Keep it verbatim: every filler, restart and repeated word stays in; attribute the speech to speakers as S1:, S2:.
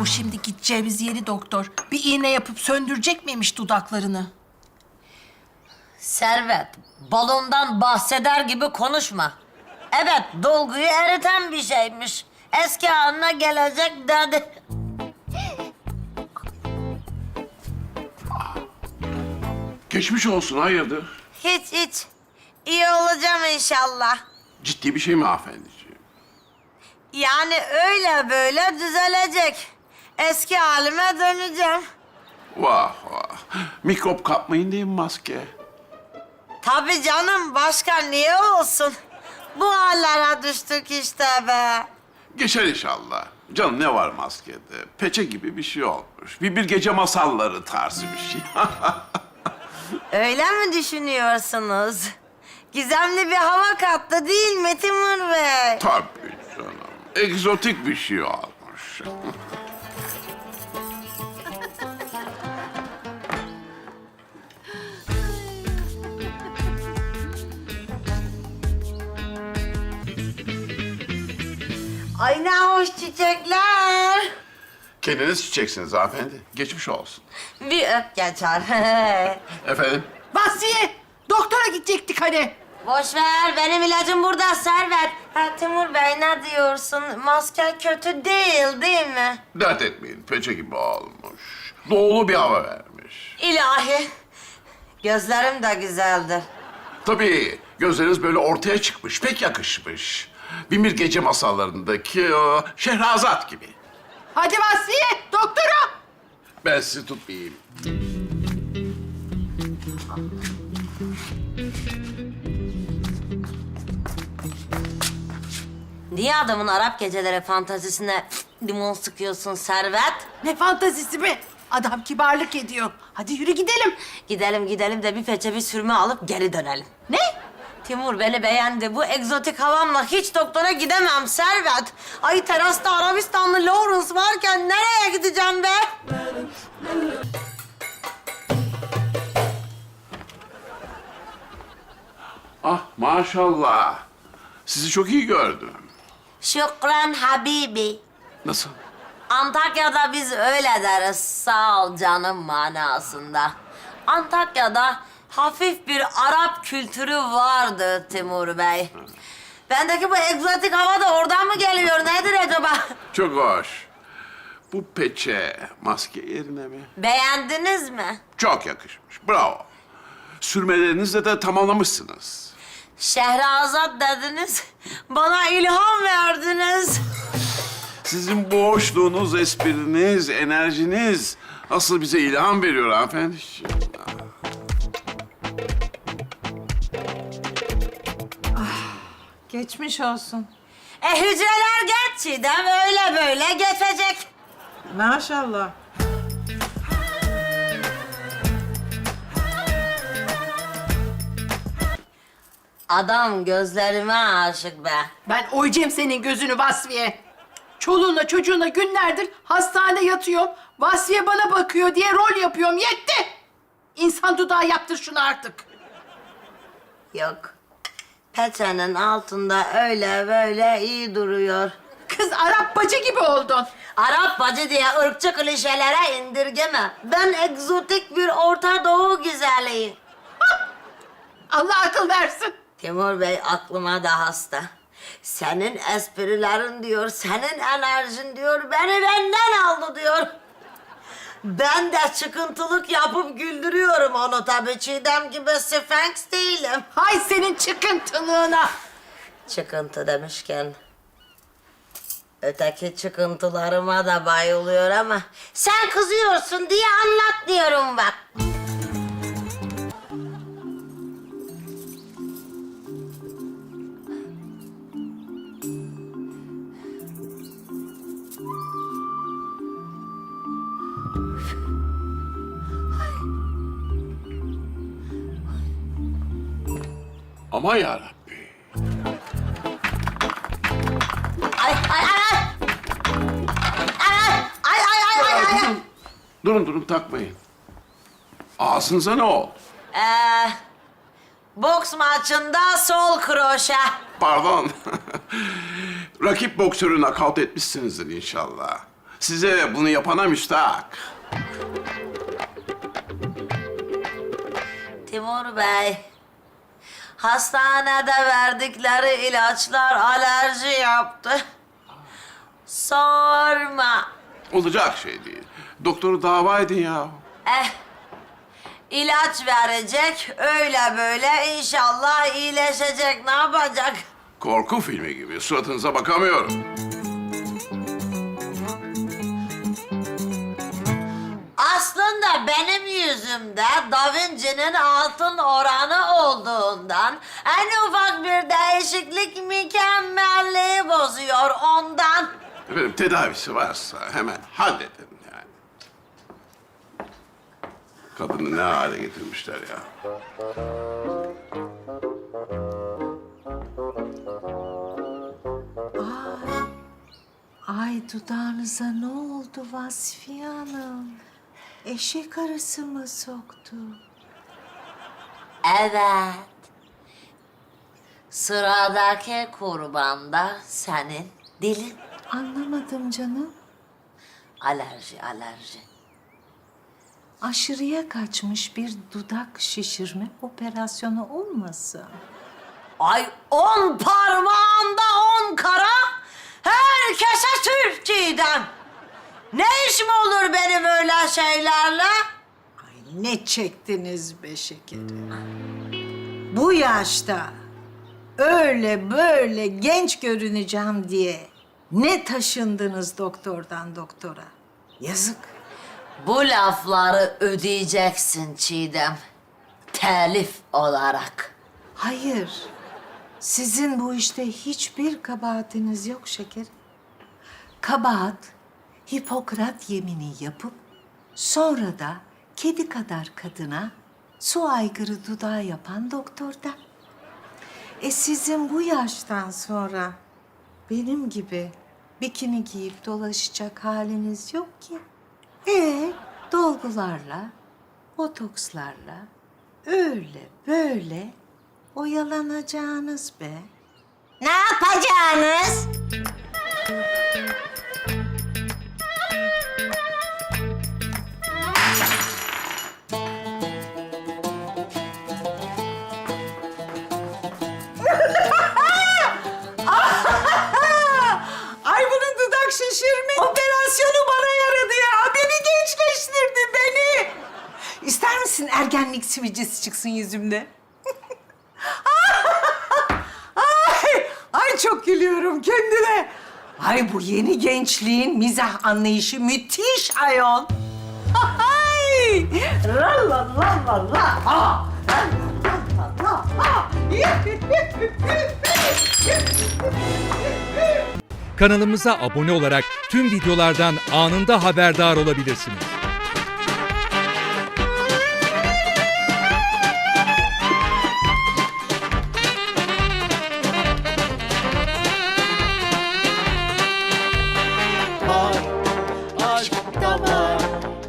S1: şimdi gideceğimiz yeni doktor bir iğne yapıp söndürecek miymiş dudaklarını?
S2: Servet, balondan bahseder gibi konuşma. Evet, dolguyu eriten bir şeymiş. Eski haline gelecek dedi.
S3: Geçmiş olsun, hayırdır?
S2: Hiç hiç. İyi olacağım inşallah.
S3: Ciddi bir şey mi hanımefendiciğim?
S2: Yani öyle böyle düzelecek. Eski halime döneceğim.
S3: Vah vah. Mikrop kapmayın diye mi maske?
S2: Tabii canım, başka niye olsun? Bu hallere düştük işte be.
S3: Geçer inşallah. Canım ne var maskede? Peçe gibi bir şey olmuş. Bir bir gece masalları tarzı bir şey.
S2: Öyle mi düşünüyorsunuz? Gizemli bir hava kattı değil mi Timur Bey?
S3: Tabii canım. Egzotik bir şey olmuş.
S2: Ay ne hoş çiçekler.
S3: Kendiniz çiçeksiniz hanımefendi. Geçmiş olsun.
S2: Bir öp geçer.
S3: Efendim?
S1: Vasfiye, doktora gidecektik hani.
S2: Boş ver, benim ilacım burada Servet. Ha Timur Bey ne diyorsun? Maske kötü değil, değil mi?
S3: Dert etmeyin. Peçe gibi olmuş. Doğulu bir hava vermiş.
S2: İlahi. Gözlerim de güzeldir.
S3: Tabii gözleriniz böyle ortaya çıkmış. Pek yakışmış. Binbir Gece Masallarındaki o Şehrazat gibi.
S1: Hadi Vasfiye, doktora.
S3: Ben sizi tutmayayım.
S2: Niye adamın Arap geceleri fantazisine limon sıkıyorsun Servet?
S1: Ne fantazisi be? Adam kibarlık ediyor. Hadi yürü gidelim.
S2: Gidelim gidelim de bir peçe bir sürme alıp geri dönelim.
S1: Ne?
S2: Timur beni beğendi. Bu egzotik havamla hiç doktora gidemem Servet. Ay terasta Arabistanlı Lawrence varken nereye gideceğim be?
S3: Ah maşallah. Sizi çok iyi gördüm.
S2: Şükran Habibi.
S3: Nasıl?
S2: Antakya'da biz öyle deriz. Sağ ol canım manasında. Antakya'da hafif bir Arap kültürü vardı Timur Bey. Bendeki bu egzotik hava da oradan mı geliyor? Nedir acaba?
S3: Çok hoş. Bu peçe maske yerine mi?
S2: Beğendiniz mi?
S3: Çok yakışmış. Bravo. Sürmelerinizle de tamamlamışsınız.
S2: Şehrazat dediniz. Bana ilham verdiniz.
S3: Sizin bu hoşluğunuz, espriniz, enerjiniz asıl bize ilham veriyor hanımefendiciğim.
S1: Geçmiş olsun.
S2: E hücreler geç Çiğdem. Öyle böyle geçecek.
S1: Maşallah.
S2: Adam gözlerime aşık be.
S1: Ben oyacağım senin gözünü Vasfiye. Çoluğunla çocuğunla günlerdir hastanede yatıyorum. Vasfiye bana bakıyor diye rol yapıyorum. Yetti! İnsan dudağı yaptır şunu artık.
S2: Yok. Peçenin altında öyle böyle iyi duruyor.
S1: Kız Arap bacı gibi oldun.
S2: Arap bacı diye ırkçı klişelere indirgeme. Ben egzotik bir Orta Doğu güzeliyim.
S1: Allah akıl versin.
S2: Timur Bey aklıma da hasta. Senin esprilerin diyor, senin enerjin diyor, beni benden aldı diyor. Ben de çıkıntılık yapıp güldürüyorum onu tabii. Çiğdem gibi Sphinx değilim.
S1: Hay senin çıkıntılığına.
S2: Çıkıntı demişken... öteki çıkıntılarıma da bayılıyor ama... sen kızıyorsun diye anlat diyorum bak.
S3: Ama yarabbi.
S2: Ay ay ay ay! Ay ay ay ay ay ay!
S3: Durun, durun, durun takmayın. Ağzınıza ne oldu?
S2: Ee, boks maçında sol kroşe.
S3: Pardon. Rakip boksörü nakavt etmişsinizdir inşallah. Size bunu yapana müstahak.
S2: Timur Bey, hastanede verdikleri ilaçlar alerji yaptı. Sorma.
S3: Olacak şey değil. Doktoru dava edin ya.
S2: Eh, ilaç verecek, öyle böyle inşallah iyileşecek. Ne yapacak?
S3: Korku filmi gibi. Suratınıza bakamıyorum.
S2: Aslında benim yüzümde Da Vinci'nin altın oranı olduğundan en ufak bir değişiklik mükemmelliği bozuyor ondan.
S3: Efendim tedavisi varsa hemen halledin yani. Kadını ne hale getirmişler ya.
S4: Ay dudağınıza ne oldu Vasfiye Hanım? Eşek arısı mı soktu?
S2: Evet. Sıradaki kurban da senin dilin.
S4: Anlamadım canım.
S2: Alerji, alerji.
S4: Aşırıya kaçmış bir dudak şişirme operasyonu olmasın?
S2: Ay on parmağında on kara, herkese Türk Çiğdem. Ne işim olur benim öyle şeylerle?
S4: Ay ne çektiniz be şekerim. Bu yaşta öyle böyle genç görüneceğim diye ne taşındınız doktordan doktora? Yazık.
S2: Bu lafları ödeyeceksin Çiğdem. Telif olarak.
S4: Hayır. Sizin bu işte hiçbir kabahatiniz yok şekerim. Kabahat, Hipokrat yemini yapıp sonra da kedi kadar kadına su aygırı dudağı yapan doktorda. E sizin bu yaştan sonra benim gibi bikini giyip dolaşacak haliniz yok ki. E dolgularla, botokslarla öyle böyle oyalanacağınız be.
S2: Ne yapacağınız?
S4: Ay bunun dudak şişirme operasyonu bana yaradı ya. Beni gençleştirdi beni. İster misin ergenlik sivilcesi çıksın yüzümde? ay, ay çok gülüyorum kendime. Ay bu yeni gençliğin mizah anlayışı müthiş ayol. Ay! La la la la la. Ah! La la la la. Ah!
S5: Kanalımıza abone olarak tüm videolardan anında haberdar olabilirsiniz.